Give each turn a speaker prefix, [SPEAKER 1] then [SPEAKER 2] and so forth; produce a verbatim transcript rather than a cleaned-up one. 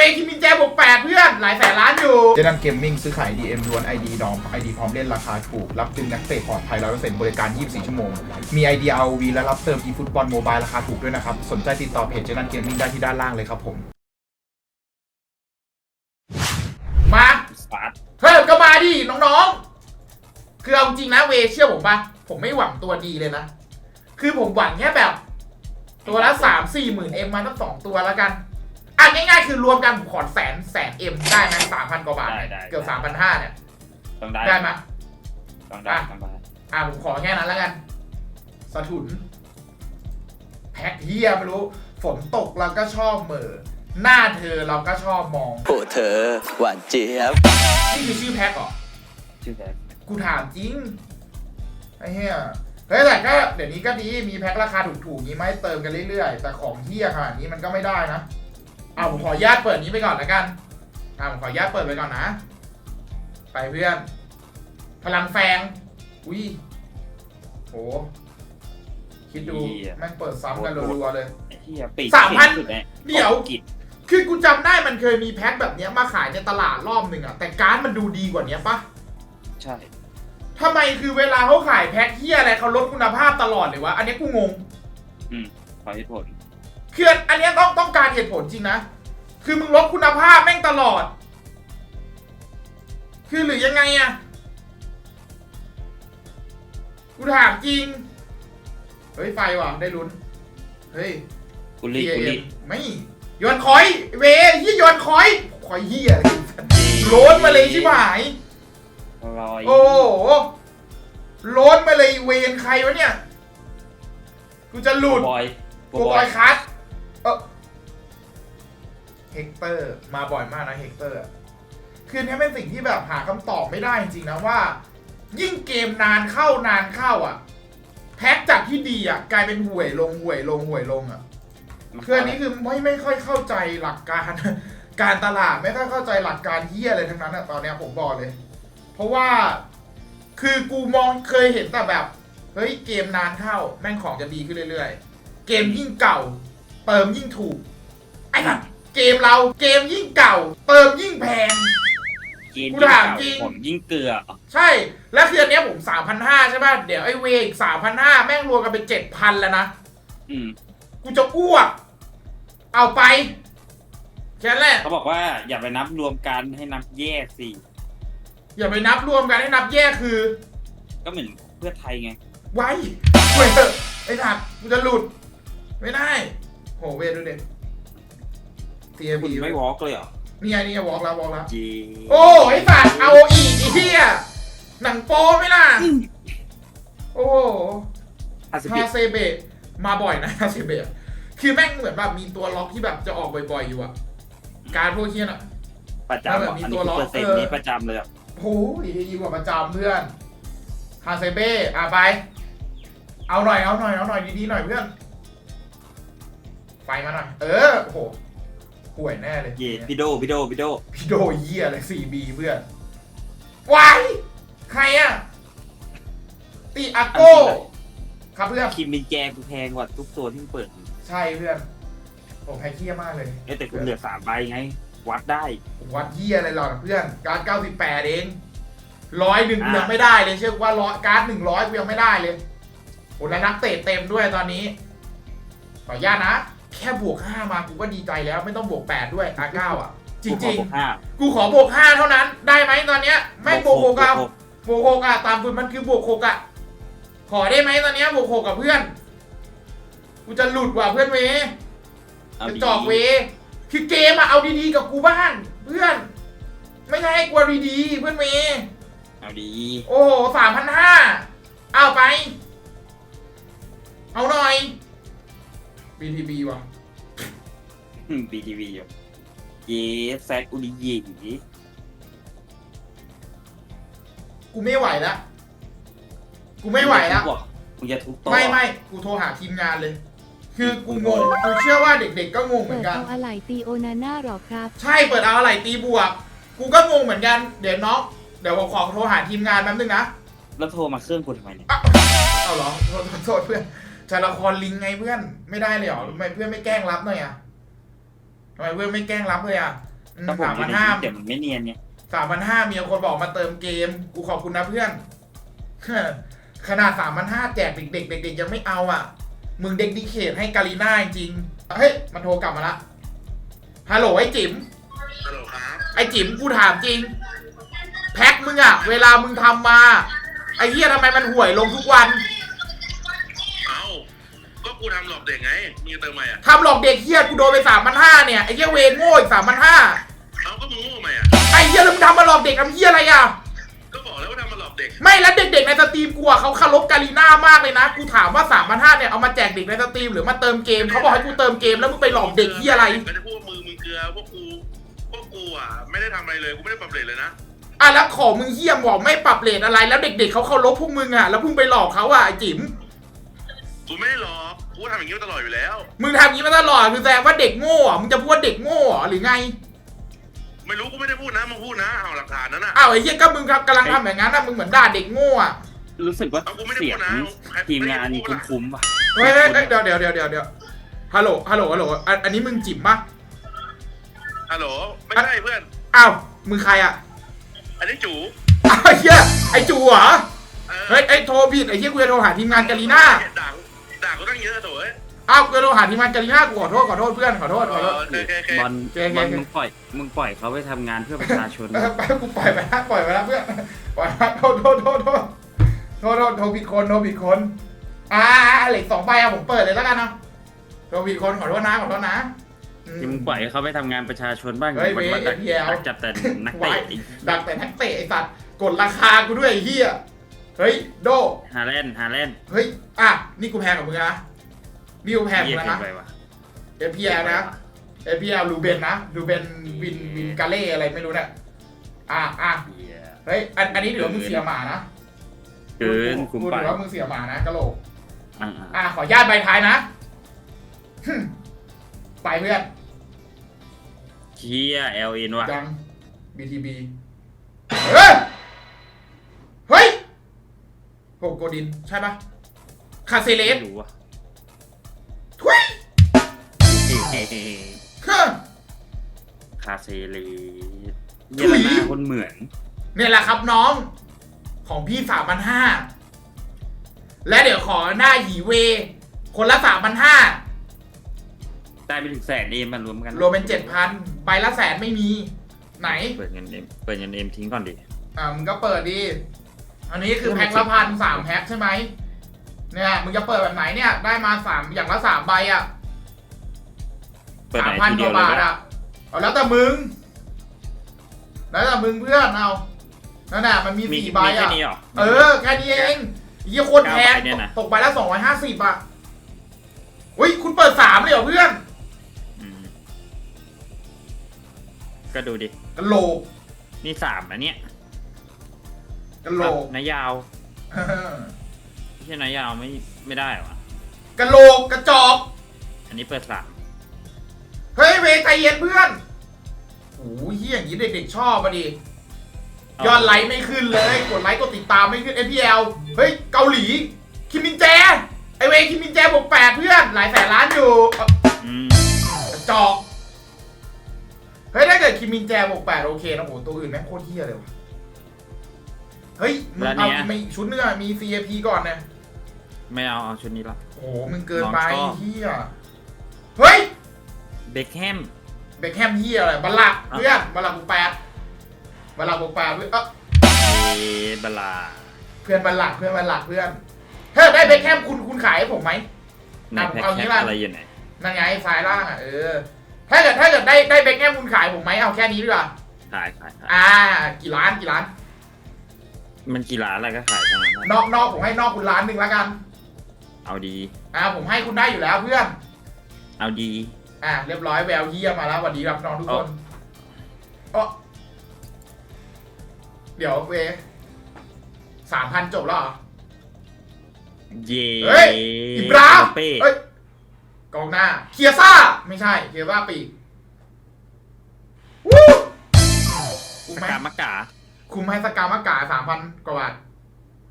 [SPEAKER 1] คิมินแจบวกแปดเพื่อนหลายแสนล้านอยู่เจนันเกมมิ่งซื้อขาย ดี เอ็ม ล้วน ไอ ดี ดอม ไอ ดี พร้อมเล่นราคาถูกรับดึงนักเตะปลอดภัย ร้อยเปอร์เซ็นต์ บริการ ยี่สิบสี่ ชั่วโมงมี ไอ ดี อาร์ โอ วี และรับเติม eFootball Mobile ราคาถูกด้วยนะครับสนใจติดต่อเพจเจนันเกมมิ่งได้ที่ด้านล่างเลยครับผมมาเฮ้ยก็มาดิน้องๆคือเอาจริงนะเวเชื่อผมปะผมไม่หวังตัวดีเลยนะคือผมหวังแค่แบบตัวละสามสี่หมื่นเอ็มมาทั้งสองตัวแล้วกันอ่ะง่ายๆคือรวมกันผมขอแสนแสนเอ็มได้ไหมสามพันกว่าบาทเกือบสามพันห้าเนี่ย
[SPEAKER 2] ต้องได้
[SPEAKER 1] ได้ไหม
[SPEAKER 2] ต้องได้ต้องได้
[SPEAKER 1] อ่ะผมขอแค่นั้นแล้วกันสะถุนแพ็คเฮียไม่รู้ฝนตกเราก็ชอบเหม่อหน้าเธอเราก็ชอบมอง
[SPEAKER 3] โอ้เธอหวานเจี๊ยบ
[SPEAKER 1] นี่คือชื่อแพ็คเหรอ
[SPEAKER 2] ชื่อแพ็ค
[SPEAKER 1] กูถามจริงไอ้เหี้ยเฮ้ยแต่ก็เดี๋ยวนี้ก็ดีมีแพ็คราคาถูกๆนี้ไหมเติมกันเรื่อยๆแต่ของเหี้ยขนาดนี้มันก็ไม่ได้นะเอาผมขออนุญาตเปิดนี้ไปก่อนแล้วกันอ่าผมขออนุญาตเปิดไปก่อนนะไปเพื่อนพลังแฟงอุ้ยโหคิดดูแม่งเปิดซ้ำกันรัวๆเลยสามพันเดี๋ยวคือกูจำได้มันเคยมีแพ็คแบบนี้มาขายในตลาดรอบหนึ่งอะแต่การ์ดมันดูดีกว่านี้ปะ
[SPEAKER 2] ใช่
[SPEAKER 1] ทำไมคือเวลาเขาขายแพ็คเฮียอะไรเขาลดคุณภาพตลอดเลยวะอันนี้กูงง
[SPEAKER 2] อืมขอเหตุผล
[SPEAKER 1] คืออันนี้ต้องต้องการเหตุผลจริงนะคือมึงลดคุณภาพแม่งตลอดคือหรือยังไงอะกูถามจริงเฮ้ยไฟว่ะได้ลุ้นเฮ้ย
[SPEAKER 2] กุลีกุลี
[SPEAKER 1] ไม่ยอนคอยเวยี่ยอนคอยคอยเฮียโลดมาเลยชิบหายโอ้โลดมาเลยเวนใครวะเนี่ยกูจะหลุด
[SPEAKER 2] บอย
[SPEAKER 1] กูบอยคัสเออเฮกเตอร์มาบ่อยมากนะเฮกเตอร์คือนี่เป็นสิ่งที่แบบหาคำตอบไม่ได้จริงๆนะว่ายิ่งเกมนานเข้านานเข้าอ่ะแพ็กจากที่ดีอ่ะกลายเป็นห่วยลงห่วยลงห่วยลงอ่ะคืออันนี้คือไม่ไม่ค่อยเข้าใจหลักการการตลาดไม่ค่อยเข้าใจหลักการเฮียอะไรทั้งนั้นอ่ะตอนนี้ผมบอกเลยเพราะว่าคือกูมองเคยเห็นแต่แบบเฮ้ยเกมนานเข้าแม่งของจะดีขึ้นเรื่อยๆเกมยิ่งเก่าเติมยิ่งถูกไอ้สัสเกมเราเกมยิ่งเก่าเติมยิ่งแพง
[SPEAKER 2] กูถามจริงผมยิ่งเกลือ
[SPEAKER 1] ใช่แล้วคืออันนี้ผม สามพันห้าร้อย ใช่ป่ะเดี๋ยวไอ้เวอีก สามพันห้าร้อย แม่งรวมกันเป็น เจ็ดพัน แล้วนะ
[SPEAKER 2] อืม
[SPEAKER 1] กูจะอ้วกเอาไปแค่นั้นแหละ
[SPEAKER 2] เขาบอกว่าอย่าไปนับรวมกันให้นับแยกสิ
[SPEAKER 1] อย่าไปนับรวมกันให้นับแยกคือ
[SPEAKER 2] ก็เหมือนเพื่อไทยไง
[SPEAKER 1] ไว้เว้ยไอ้ถัดกูจะหลุดไม่ได้โหเวดูเด็กทีเอ็มพี
[SPEAKER 2] ไม่วอล์กเลยเหรอ
[SPEAKER 1] นี่ไงนี่ไงวอล์กแล้ววอล์กแล้ว
[SPEAKER 2] จี
[SPEAKER 1] โอ้ไอ้สัตว์เอาอีกไอ้เหี้ยหนังโป้ไหมล่ะโอ้ฮาเซเบะมาบ่อยนะฮาเซเบะคือแม่งเหมือนแบบมีตัวล็อกที่แบบจะออกบ่อยๆอยู่อะการพวกเฮียน่ะ
[SPEAKER 2] ประจำแบบมีตัวล็อกเปอร์เซ็นต์นี้ประจำเลยอะ
[SPEAKER 1] โอ้ยดีกว่าประจำเพื่อนฮาเซเบะอ่ะไปเอาหน่อยเอาหน่อยเอาหน่อยดีๆหน่อยเพื่อนไฟมาหน่อยเออโอ้โหห่วยแน่เลย
[SPEAKER 2] เย่พี่โดพี่โดพี่โด
[SPEAKER 1] พี่โดเยี่ยเลย สี่บี เพื่อนวายใครอะตีอาโก้ครับเพื่อน
[SPEAKER 2] คิมมินแจกูแพงกว่าทุกตัวที่เปิด
[SPEAKER 1] ใช่เพื่อนผมแพ้เคี้ยมากเลย
[SPEAKER 2] เอ้แต่คุณเหลือสามใบไงวัดได้
[SPEAKER 1] วัดเยี่ยอะไรหรอเพื่อนการ์ดเก้าสิบแปดเองร้อยหนึ่งยังไม่ได้เลยเชื่อว่าร้อยการ์ดหนึ่งร้อยยังไม่ได้เลยโอ้แล้วนักเตะเต็มด้วยตอนนี้ขออนุญาตนะแค่บวกห้ามากูก็ดีใจแล้วไม่ต้องบวกแปดด้วยอาร์เก้าอ่ะจริงๆกูขอบวกห้าเท่านั้นได้ไหมตอนเนี้ยไม่บวกหกอ่ะบวกหกอ่ะตามคุณมันคือบวกหกอ่ะขอได้ไหมตอนเนี้ยบวกหกกับเพื่อนกูจะหลุดว่ะเพื่อนเวจะจอกเวคือเกมอะเอาดีๆกับกูบ้างเพื่อนไม่ใช่ให้กลัวดีๆเพื่อนเว
[SPEAKER 2] เอาดี
[SPEAKER 1] โอ้โหสามพันห้าเอาไปเอาหน่อย บี ที บี ว่ะ
[SPEAKER 2] บี ที บี อยู่เย้แซดอุดิเย่
[SPEAKER 1] กูไม่ไหวแล้วกูไม่ไหวแล้ว
[SPEAKER 2] กูจะทุบต่อ
[SPEAKER 1] ไม่ไม่กูโทรหาทีมงานเลยคือกูงงกูเชื่อว่าเด็กๆก็งงเหมือนกัน
[SPEAKER 4] เปิดเอาอะไหล่ตีโอนาน่าหรอครับ
[SPEAKER 1] ใช่เปิดเอาอะไหล่ตีบวกกูก็งงเหมือนกันเดี๋ยวน้องเดี๋ยวผมขอโทรหาทีมงานแป๊บนึงนะ
[SPEAKER 2] แล้วโทรมาเครื่องกูทำไมเนี่ย
[SPEAKER 1] เอาเหรอโทษโทษเพื่อนจะละครลิงไงเพื่อนไม่ได้เลยเหรอทำไมเพื่อนไม่แกล้งรับหน่อยอ่ะทำไมเพื่อนไม่แกล้งรับเลยอ่ะ
[SPEAKER 2] ถ้าผม
[SPEAKER 1] สาม
[SPEAKER 2] อยู่
[SPEAKER 1] พัน
[SPEAKER 2] ใน
[SPEAKER 1] ห้า
[SPEAKER 2] คลิปเดี๋ยวมันไม่เนียนเนี่ย
[SPEAKER 1] สามพันห้ามีคนบอกมาเติมเกม กูขอบคุณนะเพื่อน ขนาดสามพันห้าแจกเด็กๆเด็กๆยังไม่เอาอ่ะ มึงเด็กดิเคทให้กาลีน่าจริงๆเฮ้ย มันโทรกลับมาละ ฮัลโหลไอ้จิ๋ม
[SPEAKER 5] ฮัลโหลครับ
[SPEAKER 1] ไอ้จิ๋มกูถามจริง แพ็คมึงอะเวลามึงทำมา ไอ้เหี้ยทำไมมันห่วยลงทุกวัน
[SPEAKER 5] เอ้า ก็กูทำหลอกเด็กไง มึงจะเติมไหมอ่ะ
[SPEAKER 1] ทำหลอกเด็กเหี้ยกูโดนไปสามพันห้าเนี่ย ไอ้เหี้ยเวรโง่อีกสามพันห้า
[SPEAKER 5] เอ้าก็มึงโง่ไหมอ่ะ
[SPEAKER 1] ไอ้เหี้ยแล้วมึงทำมาหลอกเด็กทำเหี้ยอะไรอะ
[SPEAKER 5] ก็บอกแล้วว่าทำมาหลอกเด็ก
[SPEAKER 1] ไม่แล้วเด็กๆในสตรีมกูอะเขาเคารพกาลีน่ามากเลยนะ กูถามว่าสามพันห้าเนี่ยเอามาแจกเด็กในสตรีมหรือมาเติมเกมเขาบอกให้กูเติมเกมแล้วมึงไปหลอกเด็กเหี้ยอะไร
[SPEAKER 5] ก็จะพูดว่ามือมึงเกลือพวกกูพวกกูอ่ะไม่ได้ทำอะไรเลย กูไม่ได้ปรับเปลี่ยนเลยนะ
[SPEAKER 1] อ่ะแล้วของมึงเหี้ยมบอกไม่ปรับเรทอะไรแล้วเด็กๆเขาเคารพพวกมึงอะแล้วมึงไปหลอกเขาอะไอ้จิ๋ม
[SPEAKER 5] กูไม่ได้หลอก กูทำอย่างนี้มาตลอดอยู่แล้ว
[SPEAKER 1] มึงทำอย่างนี้มาตลอดคือแสดงว่าเด็กโง่อะมึงจะพูดว่าเด็กโง่เหรอหรือไง
[SPEAKER 5] ไม่รู้กูไม่ได้พูดนะ มึงพูดนะ เอาหลักฐานนั้นน่ะ
[SPEAKER 1] อ้าวไอ้เหี้ยก็มึงกำลังทำอย่างนั้นนะมึงเหมือนด่าเด็กโง่อะ
[SPEAKER 2] รู้สึกว่า
[SPEAKER 5] เอากูไม่ได้
[SPEAKER 2] เสีย
[SPEAKER 5] พู
[SPEAKER 2] ง
[SPEAKER 5] ดนะ
[SPEAKER 2] ทีมงานนี้คุ้มๆป่ะ
[SPEAKER 1] เฮ้ยเฮ้ยเฮ้ยเดี๋ยวเดี๋ยวเดี๋ยวเดี๋ยวเดี๋ยวฮัลโหลฮัลโหลฮัลโหลอันอันนี้มึงจิ๋มปะ
[SPEAKER 5] ฮัลโหล ไม่ใช่เพื่อน
[SPEAKER 1] อ้าวมึงใครอะ
[SPEAKER 5] อันนี้จู
[SPEAKER 1] อ้าวไอ้เหี้ยไอ้จูเหรอ
[SPEAKER 5] ออ
[SPEAKER 1] เฮ้ยไอ้โทรผิดไอ้เหี้ยกูจะโทรหาทีมงานกาลีน่า
[SPEAKER 5] ด่าด่ากูตั้งเยอะโถ่เอ้ย
[SPEAKER 1] อ้าวกูจะโทรหาทีมงานกาลีน่ากูขอโทษขอโทษเพื่อนขอโทษ
[SPEAKER 5] เอ
[SPEAKER 1] ขอโทษ
[SPEAKER 5] อโอเคโอเคโอเค
[SPEAKER 2] บอล
[SPEAKER 1] โอเค
[SPEAKER 2] บอล
[SPEAKER 1] โอเค
[SPEAKER 2] มึงปล่อยมึงปล่อยเขาไปทำงานเพื่อประชาชน
[SPEAKER 1] เออไปกูปล่อยไปแล้วปล่อยไปแล้วเพื่อนปล่อยไปโทษโทษโทษโทษโทษโทษโทรผิดคนโทรผิดคนอ่าเหล็กสองใบอะผมเปิดเลยแล้วกันเนาะโทรผิดคนขอโทษนะขอโทษนะอืม
[SPEAKER 2] ที่มึงปล่อยให้เขาไปทำงานประชาชนบ้าง
[SPEAKER 1] เฮ้ย
[SPEAKER 2] วันวัน
[SPEAKER 1] เว้ย
[SPEAKER 2] ดัก
[SPEAKER 1] เดี๋ยว
[SPEAKER 2] ดักจับแต่นักเตะไอ้
[SPEAKER 1] ดักแต่นักเตะไอ้สัตว์กดราคากูด้วยไอ้เหี้ยเฮ้ยโด
[SPEAKER 2] ฮาแลนด์ฮาแลนด์
[SPEAKER 1] เฮ้ยอ่ะนี่กูแพงกับมึงนะนี่กูแพงกับ
[SPEAKER 2] เยี่
[SPEAKER 1] มึ
[SPEAKER 2] ย
[SPEAKER 1] ง
[SPEAKER 2] เกิ
[SPEAKER 1] นะ
[SPEAKER 2] นไปว่ะ
[SPEAKER 1] เอพีแอลนะเอพีแอลลูเบนนะลูเบนวินวินกาเล่อะไรไม่รู้เนี่ยอ่ะอ่ะ
[SPEAKER 2] เหี้ย
[SPEAKER 1] เฮ้ยอันอันนี้ถือว่ามึงเสียหมานะ
[SPEAKER 2] เกินคุ้ม
[SPEAKER 1] กู
[SPEAKER 2] ไป
[SPEAKER 1] ถือว่ามึงเสียหมานะกะโหลก
[SPEAKER 2] อ่า
[SPEAKER 1] อ่ะขอญาตใบท้ายนะหึ่มไปเพื่อน
[SPEAKER 2] เชียเอลเอ็นว่ะ
[SPEAKER 1] ยัง บี ที บี เฮ้ย เฮ้ยโหโกดิน ใช่ปะคาเซเลส
[SPEAKER 2] ไม่รู้ว่ะ
[SPEAKER 1] ทุย
[SPEAKER 2] เฮ้เฮ้
[SPEAKER 1] เฮ้อ
[SPEAKER 2] คาเซเลสเยลนาคนเหมือน
[SPEAKER 1] เนี่ยแหละครับน้อง ของพี่สามพันห้าและเดี๋ยวขอหน้าหยีเว คนละสามพันห้า
[SPEAKER 2] ได้ไปถึงแสนเอมมันรวมกัน
[SPEAKER 1] รวมเป็นเจ็ดพันใบละแสนไม่มี ไหน
[SPEAKER 2] เปิดเงินเอ็มเปิดเงินเอ็มทิ้งก่อนดิ
[SPEAKER 1] อ่ามึงก็เปิดดี อันนี้คือแพ็คละพันสามแพ็คใช่ไหมเนี่ยมึงจะเปิดแบบไหนเนี่ย ได้มาสามอย่างละสามใบอ่ะ
[SPEAKER 2] เปิด
[SPEAKER 1] สา
[SPEAKER 2] ไห
[SPEAKER 1] ม
[SPEAKER 2] น
[SPEAKER 1] พัน
[SPEAKER 2] ที
[SPEAKER 1] ก
[SPEAKER 2] เดียว
[SPEAKER 1] ว่า
[SPEAKER 2] เลย
[SPEAKER 1] บาท
[SPEAKER 2] นะ
[SPEAKER 1] อ่ะเอาแล้วแต่มึง แล้วแต่มึงเพื่อนเอานั่นน่ะมันมี
[SPEAKER 2] มี
[SPEAKER 1] สี่ใบ
[SPEAKER 2] มีแค่
[SPEAKER 1] อ่ะ
[SPEAKER 2] นี้เหรอ
[SPEAKER 1] เออ แค่นี้เองยี่โคตรแพง
[SPEAKER 2] เก้าใบเนี่ยนะ
[SPEAKER 1] ตกใบละสองร้อยห้าสิบอ่ะอุ้ยคุณเปิดสามเลยเหรอเพื่อน
[SPEAKER 2] อืมก็ดูดิ
[SPEAKER 1] กะโหลก
[SPEAKER 2] นี่สามอันเนี้ย
[SPEAKER 1] กะโหลก
[SPEAKER 2] นายาวไม่ใช่นายาวไม่ไม่ได้หรอวะ
[SPEAKER 1] กะโหลกกระจอก
[SPEAKER 2] อันนี้เปิดสาม
[SPEAKER 1] เฮ้ยเวใจเย็นเพื่อนโอ้ยเฮียอย่างนี้เด็กๆชอบอ่ะดิ ยอดไลค์ไม่ขึ้นเลย กดไลค์กดติดตามไม่ขึ้น เอ พี แอล เฮ้ย เกาหลี คิมมินแจ ไอเวคิมมินแจบวกแปดเพื่อน หลายแสนล้านอยู่เอ้า
[SPEAKER 2] อืม
[SPEAKER 1] กระจอก เฮ้ย ถ้าเกิดคิมมินแจบวกแปดโอเคนะโหตัวอื่นแม่งโคตรเฮี้ยเลยวะเฮ้ย มึงเอาไม่ชุดเนื้อมี ซี เอ พี ก่อนนะ
[SPEAKER 2] ไม่เอาเอาชุดนี้ละ
[SPEAKER 1] โอ้โหมึงเกินไป
[SPEAKER 2] น้องชอบ
[SPEAKER 1] เฮี้ย เฮ้ย
[SPEAKER 2] เบคแฮม
[SPEAKER 1] เบคแฮมเฮี้ยอะไรบัลลักเพื่อนบัลลักบวกแปดบัลลักบวกแปดเพื่อนเอ้า
[SPEAKER 2] เอบลา
[SPEAKER 1] เพื่อนบัลลักเพื่อนบัลลักเพื่อนเฮ้ยได้เบคแฮมคุณคุณขายให้ผมไหม
[SPEAKER 2] ในแพ็ค
[SPEAKER 1] เอา
[SPEAKER 2] แค
[SPEAKER 1] งี้
[SPEAKER 2] ป
[SPEAKER 1] ละ
[SPEAKER 2] อะไรอยู่ไหน
[SPEAKER 1] นั่นไงซ้ายล่างอ่ะเออ ถ้าเกิดถ้าเกิดได้ได้เบคแฮมคุณขายผมไหมเอาแค่นี้ดีกว่า
[SPEAKER 2] ขายขายขาย
[SPEAKER 1] อ่า กี่ล้านกี่ล้าน
[SPEAKER 2] มันกี่ล้านอะไรก็ขายทั้งนั้น
[SPEAKER 1] น
[SPEAKER 2] นะ
[SPEAKER 1] อกนอกผมให้นอกคุณล้านหนึ่งแล้วกัน
[SPEAKER 2] เอาดี
[SPEAKER 1] อ่าผมให้คุณได้อยู่แล้วเพื่อน
[SPEAKER 2] เอาดี
[SPEAKER 1] อ่าเรียบร้อยแววเยี่ยมมาแล้วสวัสดีครับน้องทุกคนอ๋อเดี๋ยวเวสามพันจบแล้วเหรอ
[SPEAKER 2] เย่
[SPEAKER 1] เฮ้ย อิบรา
[SPEAKER 2] เป้
[SPEAKER 1] เอ้ยกองหน้าเคียซ่าไม่ใช่เคียซ่าปีกวู้
[SPEAKER 2] ส
[SPEAKER 1] คุ้มไหม
[SPEAKER 2] กามากา
[SPEAKER 1] คุ้มให้สกามากาสามพันกว่าบาท